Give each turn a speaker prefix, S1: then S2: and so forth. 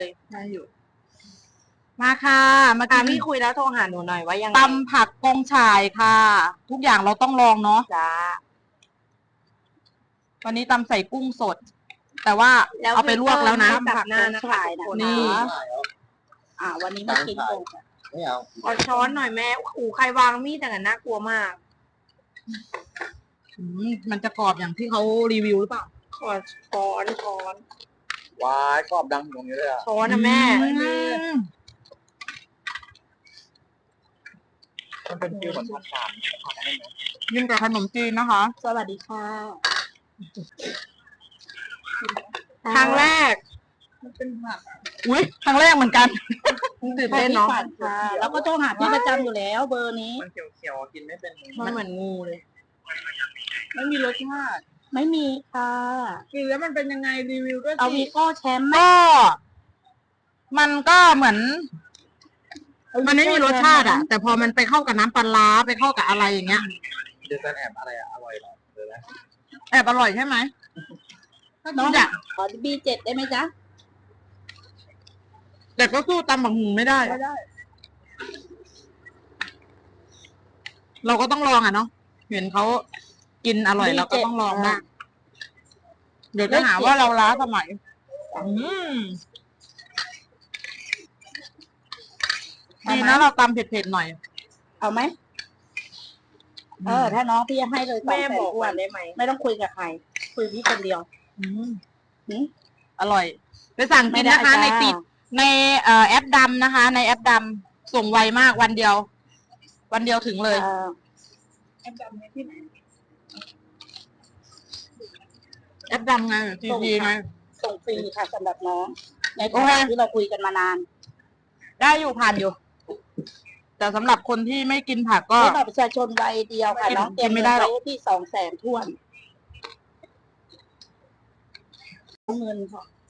S1: ได้อยู่ มาค่ะมากิน
S2: พี่คุยแล้วโทรหาหนูหน่อยว่ายังไง
S1: ตำผักกงฉ่ายค่ะ ทุกอย่างเราต้องลองเนาะ
S2: จ้า
S1: วันนี้ตำใส่กุ้งสด แต่ว่าเอาไปลวกแล้วนะ
S2: ตักหน้านะคะทุกคน
S1: นี่
S2: วันนี้มากินกง
S3: ไม่เอา
S2: เอาช้อนหน่อยแม่ขู่ใครวางมีดแต่กันน่ากลัวมาก
S1: มันจะกรอบอย่างที่เขารีวิวหรือเปล่า
S2: ขอช้อน
S3: วายกรอบดังตรงนี้เลยอ่ะ
S2: ช้อนนะแม่
S3: มันเป็นฟิวเหมือนผัดฉ่ำผัดอะไรไหม
S1: ยิ่งกับขนมจีนนะคะ
S2: สวัสดีค่ะ ครั้งแรก
S1: อุ้ยครั้งแรกเหมือนกันตื่นเต้นเนาะ
S2: ค่ะแล้วก็โทรหาพี่ประจำอยู่แล้วเบอร์นี้
S3: มันเขียวๆกินไม่เป็น
S2: มันเหมือนงูเลย
S1: ไม่มีรสชาติ
S2: ไม่มีค่ะ
S1: กินแล้วมันเป็นยังไงรีวิวด้วย
S2: เอาวีโก้แชมป์ไหม
S1: ก็มันก็เหมือน มันไม่มีรสชาติอะแต่พอมันไปเข้ากับน้ำปลาร้าไปเข้ากับอะไรอย่างเงี้ย
S3: เดี๋ยวจะแอบอะไรอ่ะอร่อยเหรอเดี๋ยวนะ
S1: แอบอร่อยใช่ไหม
S2: น้อง
S1: อยาก
S2: ขอB7ได้ไหมจ๊ะ
S1: แต่ก็สู้ตำบักหุ่งไม่ได้ เราก็ต้องลองอ่ะเนาะเห็นเขากินอร่อยเราก็ต้องลองนะเดี๋ยวจะหาว่าเราล้าสมัยดีนะเราตำเผ็ดๆหน่อย
S2: เอาไหมถ้าน้องพี่จะให้เลย200,000
S1: บอกว่าได้ไหม
S2: ไม่ต้องคุยกับใคร คุยพี่คนเดียว
S1: อร่อย ไปสั่งกินนะคะ ในติดในแอปดำนะคะ ในแอปดำส่งไวมากวันเดียว วันเดียวถึงเลย
S2: แอปดำที่ไหน
S1: แอปดำไงทีทีไง
S2: ส่งฟรีค่ะสำหรับน้อง ใน
S1: โอเค
S2: ที่เราคุยกันมานาน
S1: ได้อยู่ผ่านอยู่ แต่สำหรับคนที่ไม่กินผักก็
S2: ให้บัตรประชาชนใบเดียวค่ะ น้องเตรียม
S1: ไม่ได้หรอก
S2: ว้ที่200,000 ถ้วนเงินค่ะ